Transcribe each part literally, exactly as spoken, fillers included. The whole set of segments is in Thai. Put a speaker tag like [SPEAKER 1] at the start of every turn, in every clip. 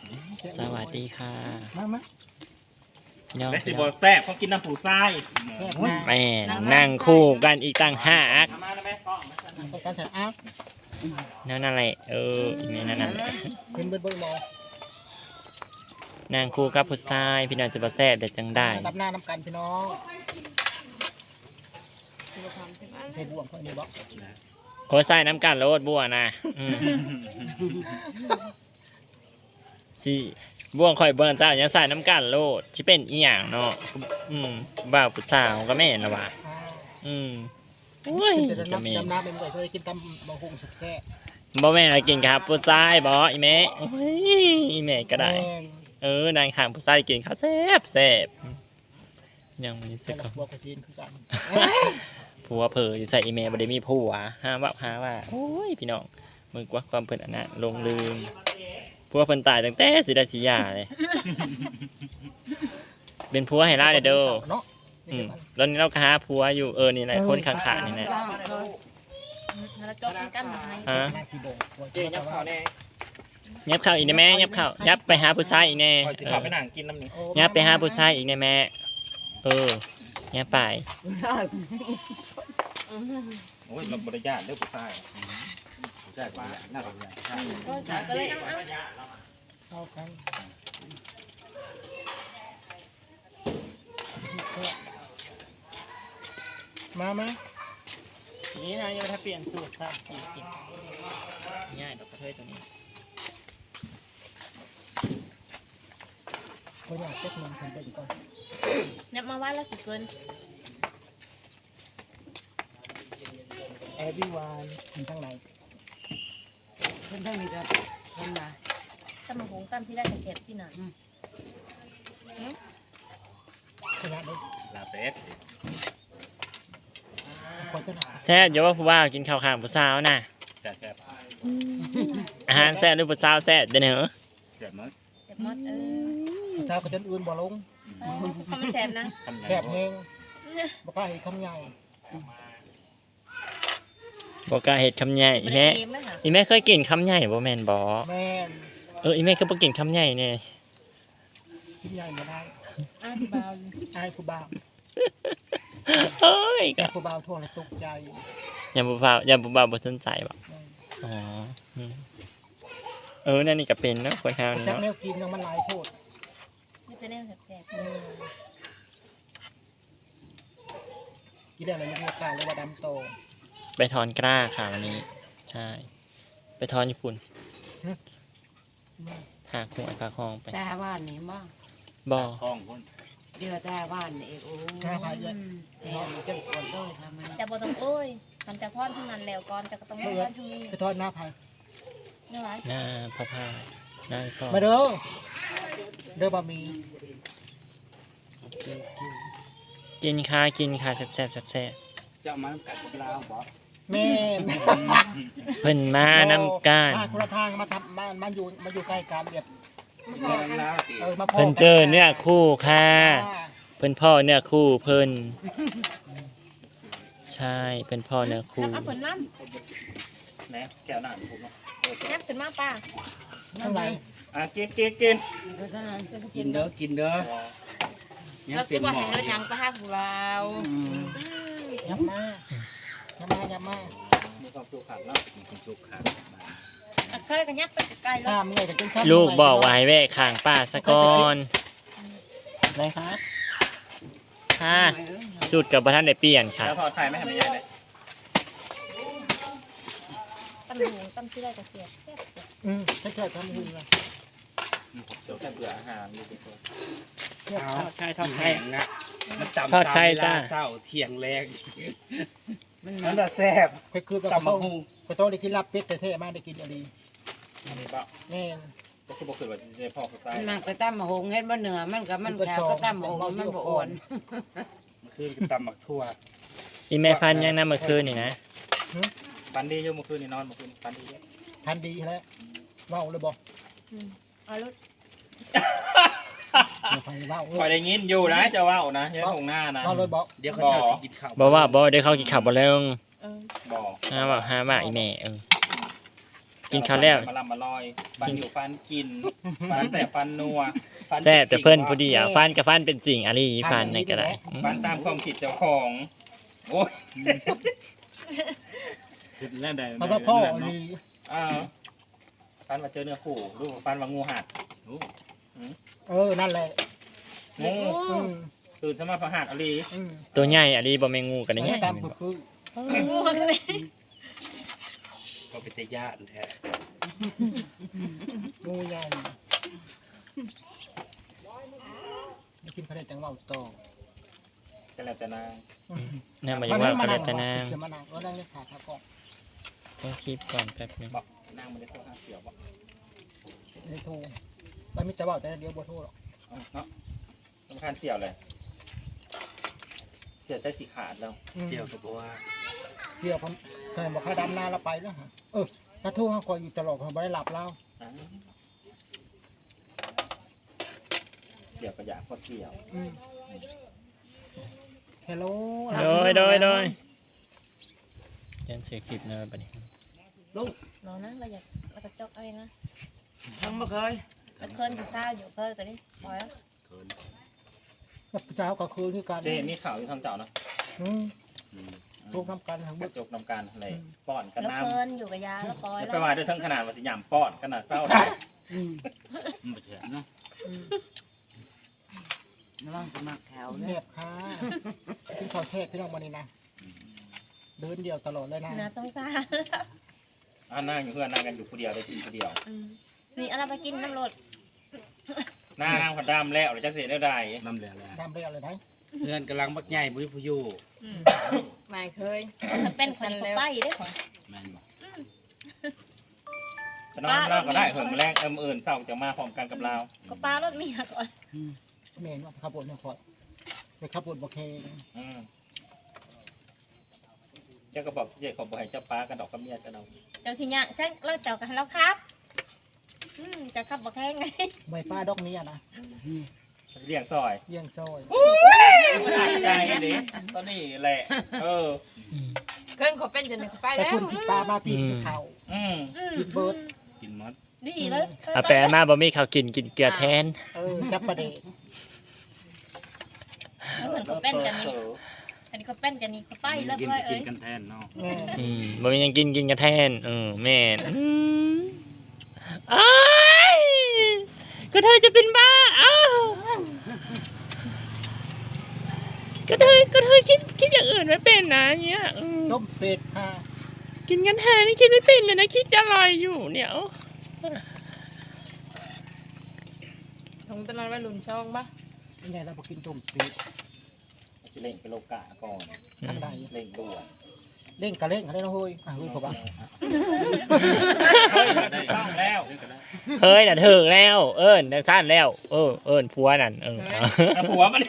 [SPEAKER 1] สวัสดีค่ะ
[SPEAKER 2] มามา
[SPEAKER 1] พี่น้อง
[SPEAKER 3] และสิบแซ่บเขากินน้ำผูทราย
[SPEAKER 1] แม่นั่งคู่กันอีกต่างหาก
[SPEAKER 3] มาแล้วแม่กล้อง
[SPEAKER 2] ต้องการถัดอ้าว
[SPEAKER 1] นั่นอะไรเออแม่นั่นอะไร
[SPEAKER 2] เป็นเบิ้ลเบิ้ลมอ
[SPEAKER 1] นั่งคู่กับผู้ชายพี่น้องจะมาแซ่บแต่จังได้
[SPEAKER 2] ดับหน้าน้ำกันพี่น้องใส่บ่วงเขานี่บ่
[SPEAKER 1] โอ้ใส่น้ำกันโลดบัวนะอืมสิบ่วงข่อยเบิ่งเจ้ายังใส่น้ำกันโลดที่เป็นอีหยังเนาะอืมบ่าวผู้สาวก็แม่นละว่ะอืมโอ้ย
[SPEAKER 2] จะ
[SPEAKER 1] จะ
[SPEAKER 2] น้ำ
[SPEAKER 1] มี
[SPEAKER 2] ดำน้ำเป็นไงเคยกินตำบะฮุงสุดแซ่บ
[SPEAKER 1] บ่แม่นอะไรกินครับผู้ชายบ่อีแม่โอ้ยอีแม่ก็ได้ เออนางข้างผู้ชายกินข้าวแซ่บแซ่บยังมี
[SPEAKER 2] ใส่
[SPEAKER 1] สัก
[SPEAKER 2] หลั
[SPEAKER 1] ค
[SPEAKER 2] กบัวกระจีนคือกัน
[SPEAKER 1] ผัวเผยอยู่ใส่อีเมลบ่ได้มีผัวห้ามว่าหาว่าโอ้ยพี่น้องมึงกว่าความเพิ่นอันนั้นลงลืมผัวเพิ่นตายตั้งแต่สิได้สิหย่าเลยเป็นผัวให้ล่าเด้อเด้อ
[SPEAKER 2] เนาะ
[SPEAKER 1] อืมแล้วนี้เราก็หาผัวอยู่เออนี่แหละคนข้างๆนี่แหละ
[SPEAKER 4] แล้วจบกันไหม
[SPEAKER 1] ฮะ
[SPEAKER 2] หน้าขี้โบก
[SPEAKER 3] เจ๊ยับข้าวแน่
[SPEAKER 1] ยับเข้าอีกได้แม่ยับเข้ายับไปหาผู้ชายอีกแน่
[SPEAKER 3] คอยสิ
[SPEAKER 1] เอ
[SPEAKER 3] ข้าว
[SPEAKER 1] อ
[SPEAKER 3] ไปนั่งกินน้ำหนึ่ง
[SPEAKER 1] ยับไปหาผู้ชายอีกแน่แม่เออยับไป
[SPEAKER 3] โอ้ยเราบริญาตเด้อผู้ชายผู้ชายบริญาตน่าบริญาต
[SPEAKER 4] ก็เลยเอา
[SPEAKER 2] เข้ากันมาไหม
[SPEAKER 1] นี่นะยังถ้าเปลี่ยนสูตรครับกินง่ายดอกกระเทยตัวนี้
[SPEAKER 2] คนอยากเก็บเงินคนไปอีกก่อน
[SPEAKER 4] เนี่ยมาว่าแล้วสิเกิน
[SPEAKER 2] แอร์วิวานคนทั้งไหน
[SPEAKER 5] เพิ่นทั้งนี้ก็เพิ่นมา
[SPEAKER 4] ตั้มหงตั้มที่ได้กระเช็ดที่นั่น
[SPEAKER 2] ชนะได้
[SPEAKER 3] ลาเป็ด
[SPEAKER 2] คนชนะ
[SPEAKER 1] แซ่บอย่าว่าผู้ว่ากินข้าวข้างผู้สาวนะ
[SPEAKER 3] แซ่บแซ่บ
[SPEAKER 1] อาหารแซ่บหรือผู้สาวแซ่บเด้อเนอะ
[SPEAKER 3] แซ่บมั้ง
[SPEAKER 4] เจ็บมดเออ
[SPEAKER 2] ชาวก็จนอื่นบ่ลง
[SPEAKER 4] เขาไม่แสบนะ
[SPEAKER 3] คำ
[SPEAKER 2] แคบเองบ่กล้าเห็นคำใหญ่
[SPEAKER 1] บอกกล้าเห็ดคำใหญ่อีแม่อีแม่เคยกินคำใหญ่บ่แม่นบ่
[SPEAKER 2] แม่น
[SPEAKER 1] เอออีแม่ก็บ่กินคำใหญ่เนี่ย
[SPEAKER 2] กินใหญ่ไม่ได้
[SPEAKER 4] อ้าวเบา
[SPEAKER 2] อายผู้บ่าว
[SPEAKER 1] เอ้ย
[SPEAKER 2] แต่
[SPEAKER 1] ก็
[SPEAKER 2] ผู้บ่าวทั่วเลยตกใจ
[SPEAKER 1] อย่าบ่บ่าวอย่าบ่บ่าวบ่สนใจบ่อ๋ออืมเออนั่นนี่ก็เป็นเนาะคนเฮานี่
[SPEAKER 2] แซ่บ
[SPEAKER 1] เนาะ
[SPEAKER 2] แนวกินมันหลายโพด
[SPEAKER 4] ไม่จะเนี่ยแสบ
[SPEAKER 2] กินได้เลยยังมีกาเลยว่าดำโต
[SPEAKER 1] ไปถอนกล้าค่ะวันนี้ ใช่ ไปถอนญี่ปุ่นหาหวยพาคลองไป
[SPEAKER 5] แต่ว่านนี่บ่
[SPEAKER 1] บ่
[SPEAKER 3] คล้องคน
[SPEAKER 5] เดือแต่ว่านนี่โอ้ยแจ่มจนปวดเลยทำไม
[SPEAKER 4] แต่บ่ต้องโอ้ยมันจะทอดทั้งนั้นแล้วก่อนจะก็ต้องทอดทั้งนี้
[SPEAKER 2] ไปทอดหน้าไผ่
[SPEAKER 4] นี่ไร
[SPEAKER 1] หน้าพ่อพายหน้าพ่อ
[SPEAKER 2] มาเด้อเด้อบะหมี่
[SPEAKER 1] กินค่ะกินค่ะแซ่บแซ่บแซ่บแซ่บ
[SPEAKER 3] จะมากัดกับเราบ่
[SPEAKER 2] แม่น
[SPEAKER 1] เพิ่นมาน้ำก้าน
[SPEAKER 2] มาคนละทางมาทำมามาอยู่มาอยู่ใกล้กันเรียบ
[SPEAKER 3] แล้วสิ
[SPEAKER 2] เออมาพอ
[SPEAKER 1] เพิ่นเจอเนี่ยคู่ค่ะ
[SPEAKER 2] อ่า
[SPEAKER 1] เพิ่นพ่อเนี่ยคู่เพิ่นใช่เพิ่นพ่อเนี่ยคู่
[SPEAKER 4] แล้วก็ผลน้
[SPEAKER 3] แหน่แก้วหน้าผมเนาะ
[SPEAKER 4] ำนับขึ้นมาป้า
[SPEAKER 2] เท่าไหร่
[SPEAKER 3] อ่ะกินกินกิน
[SPEAKER 5] เพราะฉะนั้น
[SPEAKER 6] กินเด้อกินเด้อ
[SPEAKER 4] แล้วคิดว่าเห็นแล้วยังไปหักเรา
[SPEAKER 2] ยับมายับมายับมา
[SPEAKER 3] มีความสุขขันเนาะมีความสุขขัน
[SPEAKER 4] เคยกันยับไปไกลแล้ว
[SPEAKER 2] ข้ามเลยกับจนข้าม
[SPEAKER 1] ลูกบอกว่าให้แวะข้างป้าซะก่อนอะไรคะค่ะจุดกับประธานได้เปลี่ยนค่ะ
[SPEAKER 3] แล้วทอดไข่ไม่ทำยังไงเลย
[SPEAKER 4] ตั้มหงตั้มที่ได้กระเช็ด
[SPEAKER 2] อืมถ้าเกิดทำหุ่นละ
[SPEAKER 3] เดี๋ยวแค่เบื่ออาหารดูดีกว่า
[SPEAKER 2] เทียบ
[SPEAKER 6] เอา
[SPEAKER 2] ข้าว
[SPEAKER 1] ใช่ทอดไข่
[SPEAKER 6] แห้งนะมันตำ
[SPEAKER 1] ทอดไข่
[SPEAKER 6] ซ้ำเวลา
[SPEAKER 1] จ้า
[SPEAKER 6] เศร้าเที่ยงแรง
[SPEAKER 5] มัน
[SPEAKER 6] นั่นแหละแซ่บ
[SPEAKER 2] ไปคือแบบ
[SPEAKER 6] ตำมะ
[SPEAKER 2] เขา
[SPEAKER 6] ฮุง
[SPEAKER 2] ไปโต๊ะได้กินลาบเป็ดแต่เท่มากได้กินอะไร
[SPEAKER 3] อันนี้บ่า
[SPEAKER 2] แม่น
[SPEAKER 3] ก็คือบอกคือว่าในพ่อเขาใส่
[SPEAKER 5] มันมักไปตั้มหงเฮ็ดบ่เหนือมันก็มันแขวก็ตั้มหงมันบ่อ่อน
[SPEAKER 6] มันคือตำหมักทั่ว
[SPEAKER 1] อีแม่พันยังนะเมื่อคืนนี่นะ
[SPEAKER 3] ปันดีอยู่เมื่อคืนนี่นอนเมื่อคืนปันดีเยอะ
[SPEAKER 2] ทันดีแล้วเว้าเลยบอก
[SPEAKER 4] เอาลูก
[SPEAKER 2] อย่าไปเว้าเล
[SPEAKER 3] คอย
[SPEAKER 2] ย
[SPEAKER 3] ได้ยินอยู่นะจะว่าวนะเยอะตรงหน้านะ
[SPEAKER 2] เว้าเลยบอก
[SPEAKER 6] เดี๋ยวเขาเจะสิกินข้าว
[SPEAKER 1] บอกว่าบอกได้เข้ากินขับบ่แล้ว
[SPEAKER 4] เออ
[SPEAKER 3] บอก
[SPEAKER 1] ห้าว่าห้าว่าอีแม่เออกินข้าวแล้ว
[SPEAKER 3] มาลำมาลอยฟันอยู่ฟันกินฟันแสบฟันนัวฟัน
[SPEAKER 1] แซ่บแต่เพิ่นผู้เดียวฟันกับฟันเป็นจริงอะไรฟันในก็ได้อืม
[SPEAKER 3] ฟันตามความคิดเจ้าของโอ้ย
[SPEAKER 6] แล้วได้
[SPEAKER 2] เพราะว่าพ่อนี่
[SPEAKER 3] อ่าฟันมาเจอเนื้อคู่รูปฟันว่างูหัด
[SPEAKER 2] เออนั่นแหละ
[SPEAKER 3] งู
[SPEAKER 2] อืม
[SPEAKER 3] ตื่นสมาพหัดอลี
[SPEAKER 2] อืม
[SPEAKER 1] ตัวใหญ่อะไรบ่แม่งงูกันได้ไง
[SPEAKER 2] ตามคือคือ
[SPEAKER 4] ง่วงเลย
[SPEAKER 6] ก็เป็นตะย่านแท้
[SPEAKER 2] งูใหญ่กินข้าวจังหวะโต
[SPEAKER 3] ก็แล้วแต่นาง
[SPEAKER 1] น่ามายังว่าก็ได้แต่นาง
[SPEAKER 2] เดี๋ยวมานั่งก็นั่งเล่นขาขาก่อน
[SPEAKER 1] ต้องคลิปก่อนแป๊บนึง
[SPEAKER 3] บอกนางมันได้โทรหาเสี่ยวบอก
[SPEAKER 2] ในโทรแล้วมิจะบอกแต่เดียวบ่โทรหรอก
[SPEAKER 3] เอาเนาะสำคัญเสี่ยวเลยเสี่ยวใจสีขาดแล้ว
[SPEAKER 6] เสี่ยวกับว่า
[SPEAKER 2] เดี๋ยวผมเคยบอกเขาดำนาเราไปแล้วฮะเออถ้าโทรเขาคอยอยู่ตลอดเขาไม่ได้หลับแล้ว
[SPEAKER 3] อ่าเสี่ยวก็อยากพอเสี่ยว
[SPEAKER 2] ฮัลโหล
[SPEAKER 1] โดยโดยโดยเรียนเสียคลิปเนอะบัดนี้
[SPEAKER 4] เรานะเราอยากเราจะจกอะไรนะ
[SPEAKER 5] ทั้งบ่เคย
[SPEAKER 4] มันเคยอยู่เศร้าอยู่เคยแต่นี่ปล่อยแล้ว
[SPEAKER 2] กับเจ้าก็คือที่การ
[SPEAKER 3] เจมีข่าวอยู่ทางเจ้านะ
[SPEAKER 2] อืมโทรทำกันทั้งหม
[SPEAKER 3] กระ
[SPEAKER 2] ด
[SPEAKER 3] จกนำการอะไรป้อนกัน
[SPEAKER 4] แล้ว
[SPEAKER 3] น้
[SPEAKER 4] เพลินอยู่กับยาแล้วปล่อย
[SPEAKER 3] ำ
[SPEAKER 4] แล้
[SPEAKER 3] ไป
[SPEAKER 4] ว
[SPEAKER 3] ว่าด้วยทั้งขนาดว่าสิยามป้อนขนาดเศร้าได้
[SPEAKER 2] อืม
[SPEAKER 6] มันบ่เถื่อนเนาะ
[SPEAKER 2] อืม
[SPEAKER 5] ระวังจะมาแถว
[SPEAKER 2] เท
[SPEAKER 5] เนี่ย
[SPEAKER 2] พค่ะกินข้าวเทพพี่น้องวันนี้นะเดินเดียวตลอดเลยนะ
[SPEAKER 4] น่าสงสาร
[SPEAKER 3] อ่านั่งอยู่เพื่อนนั่งกันอยู่คนเดียวได้กินคนเดียว
[SPEAKER 4] อืมนี่อะไรไปกินน้ำรด
[SPEAKER 3] หน้านั่งผัดดำแล้วหรือจักเสียได้ได้
[SPEAKER 6] น้ำเหลือแล้ว
[SPEAKER 2] ดำเรียวเลยนะ
[SPEAKER 6] เพื่อนกำลังบักใหญ่บุ้ยผู้อยู่
[SPEAKER 5] ไม่เคย
[SPEAKER 4] ถ้าเป็นคนเขาไปได้ของ
[SPEAKER 6] แม่นบ่
[SPEAKER 3] ก็นอนเล่าก็ได้เหิมแรงเอิมเอิญเศร้าจะมาพร้อมกันกับเรา
[SPEAKER 4] ก็ปลารถเมียก่อน
[SPEAKER 2] เมนว่าขับรถเนี่ยคอยไปขับรถบอกเค
[SPEAKER 3] อืมเจ้าก็บอกเจ้าขอบอกให้เจ้าป้ากันดอกกับเมียจะเอา
[SPEAKER 4] เจ้าสิญญาใช่เราเจ้ากันแล้วครับอืมจะขับบอกแค่ไง
[SPEAKER 2] ใบป้าดอกนี้อะนะ
[SPEAKER 3] เลี้ยงซอย
[SPEAKER 2] เยี่ยงซอย
[SPEAKER 3] หนักใจดิตอนนี้แหละ เออ
[SPEAKER 5] เครื่องเขาเป็นจนเขาไป
[SPEAKER 2] แต่
[SPEAKER 5] แล้ว
[SPEAKER 2] คุณติดปลามาปีนเขา
[SPEAKER 3] อืม
[SPEAKER 4] อืม
[SPEAKER 2] กินเบิร์ด
[SPEAKER 6] กินมด
[SPEAKER 4] ดีเลย
[SPEAKER 1] เอาแปลมาบ่มีข้าวกินกินเกลือแทน
[SPEAKER 2] เออจับประเดะ
[SPEAKER 4] เหมือนเขาเป็นกันนี่อันนี้เขาเป็นกันนี่เขาไปแล้ว
[SPEAKER 6] กิน
[SPEAKER 4] เลย
[SPEAKER 6] กิ
[SPEAKER 4] เอ้
[SPEAKER 6] น
[SPEAKER 4] ย
[SPEAKER 6] กันแทนเนาะ
[SPEAKER 2] แม่
[SPEAKER 1] อืมบ่มีหยังกินกินกันแทนเออแม่นอืมอ้ายก็เธอจะเป็นบ้าอ้าวก็เธอก็เธอคิดคิดอย่างอื่นไม่เป็นนะเนี้ยอืม
[SPEAKER 2] ต้มเป็ดค่ะ
[SPEAKER 1] กินกันแทนนี่คิดไม่เป็นเลยนะคิดจะลอยอยู่เนี่ย
[SPEAKER 5] ทงตลอดว่าลุนช่องปะ
[SPEAKER 2] ยังไงเราไปกินต้มเป็ด
[SPEAKER 3] สิเล่งไปโลกาก่อน
[SPEAKER 2] ทางใด
[SPEAKER 3] เล่งด่วน
[SPEAKER 2] เล่นกะเล่นกันได้นะเฮ้ยอ่ะเฮ้ยผมว่า
[SPEAKER 3] เฮ้ยได้ต้องแล้ว
[SPEAKER 1] เฮ้ยน่ะถึงแล้ว เอิ้นน่ะซ่านแล้ว เออเอิ้นผัวนั่นเออเอา
[SPEAKER 3] แต่ผัวมัน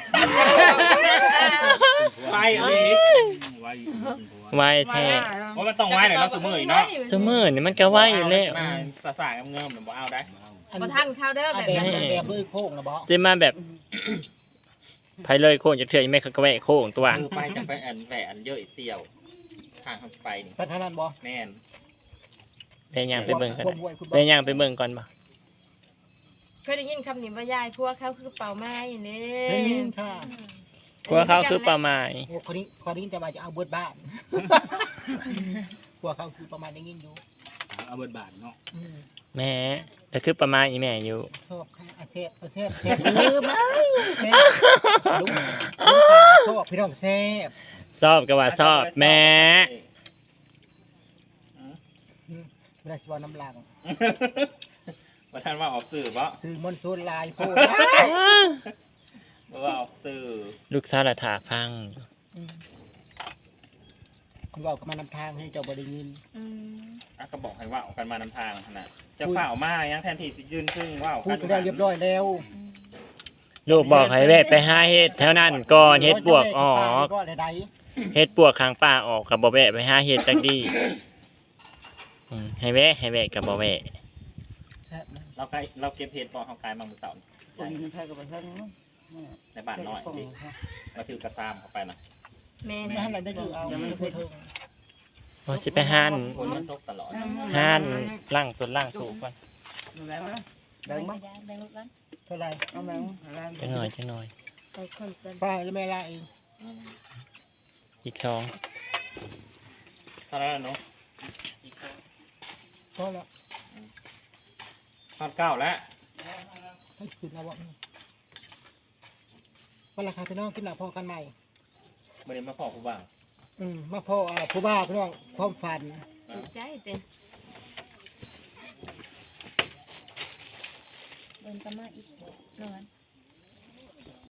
[SPEAKER 3] ไปเลย
[SPEAKER 6] ไว้เป็นผัว
[SPEAKER 1] ไว้แท้
[SPEAKER 3] เพราะมันต้องไว้หน่อยเนาะสมือเนาะ
[SPEAKER 1] เสมอนี่มันก็ไว้อยู่แล้ว
[SPEAKER 3] มาสาสายเงิมๆหรือบ่เอาได้
[SPEAKER 5] มาท่านข้าวเด้อ
[SPEAKER 2] อ่ะ
[SPEAKER 5] แบบ
[SPEAKER 2] แบบ
[SPEAKER 5] นี้
[SPEAKER 2] แบบเลยโค้งนะบอส
[SPEAKER 1] สิมาแบบไผเลยโค้งจะเถื่อยไม่เขาก็แวะโค้งตัว
[SPEAKER 3] คือไปจะไปอันแหวนเยอะอีเสี่ยวทางเข้าไปนี่
[SPEAKER 2] ไปทางนั้นบอส
[SPEAKER 3] แม่น
[SPEAKER 1] ไปย่างไปเบิ่งกัน
[SPEAKER 2] ควบวยคุณบ
[SPEAKER 1] ไป
[SPEAKER 2] อส
[SPEAKER 1] ย่างไปเบิ่งก่อนบ่
[SPEAKER 5] เคยได้ยินคำนี้ว่ายายพวกเขาคือเป่าไม้นี่
[SPEAKER 2] ได้ยินค่ะ
[SPEAKER 1] ผัวเขาคือปลาไม้
[SPEAKER 2] โอ้คนนี้คนนี้จะมาจะเอาเบิร์ดบ้านพวกเขาคือประมาณได้ยินอยู่
[SPEAKER 6] เอาเบิดบาทเนาะ
[SPEAKER 2] อืม
[SPEAKER 1] แม่แต่คือปลาไม้อีแม่อยู่
[SPEAKER 2] ชอบค่ะอาเซฟอาเซฟเซฟลืมไหมเซฟลูกลูกตาชอบพี่น้องเซฟ
[SPEAKER 1] ชอบก็ว่าชอบแม่
[SPEAKER 2] เวลาสวาน้ำลัง
[SPEAKER 3] ว่าท่านว่าออกสื่อปะ
[SPEAKER 2] ซื้อมอนโซนลายโพด
[SPEAKER 3] ว่าออกสื่อ
[SPEAKER 1] ลูกสาวละถาฟัง
[SPEAKER 2] คุณบอกกันมานำทางให้เจ้าบริยิน
[SPEAKER 4] อืม
[SPEAKER 3] อ่ะก็บอกให้ว่าออกกันมานำทางขนาดจะฝ่าออกมายังแทนที่สิยืนซึ่งว่า
[SPEAKER 2] พูดกันแล้วเรียบร้อยแล้ว
[SPEAKER 1] ลูกบอกให้แวะไปหาเฮ็ดแถวนั้นก่อนเฮ็ดปวกออก
[SPEAKER 2] ก็ใด
[SPEAKER 1] เฮ็ดปวกข้างป่าออกกับบ่แวะไปหาเฮ็ดจักดีอืมให้แวะให้แวะกับบ่แวะ
[SPEAKER 2] ๆแซ่บนะ
[SPEAKER 3] เราใกล้เราเก็บเพจปอของกายบางมือเสาร์
[SPEAKER 5] คนมันใช่กับเพื่อน
[SPEAKER 3] ในบ้านน้อยที่เราถือกระซามเข้าไปนะ
[SPEAKER 5] แม่
[SPEAKER 2] ไม่ให้เราได้ดูเอาไม่ได้พูดถึง
[SPEAKER 1] อสิไปห้าน
[SPEAKER 3] ฝนมันตกตลอด
[SPEAKER 1] ห้านล่างต้นล่างสูงก่อน
[SPEAKER 5] แบ่งมั้ย
[SPEAKER 4] แบ่งแบ่งลูกหลาน
[SPEAKER 2] เท่าไหร่
[SPEAKER 5] เอาแบ่งอะไร
[SPEAKER 1] จังหน่อยจังหน่อย
[SPEAKER 4] ไปคนเกิน
[SPEAKER 2] ป้าแล้วแม่ละเอง
[SPEAKER 1] อีกสอง
[SPEAKER 3] เท่านั้นเนาะ
[SPEAKER 2] ก็ละ
[SPEAKER 3] พันเก้าแล้ว
[SPEAKER 2] ให้คืนเอาวะวันราคาพี่น้องกินหลับพอกันใหม่
[SPEAKER 3] ไม่ได้มาพอผู้บ่าว
[SPEAKER 2] อืมมาพ่ออ่าผู้บ้าพี่น้องความฝัน
[SPEAKER 5] ใจเต็ม
[SPEAKER 4] เดินกันมาอีกนอน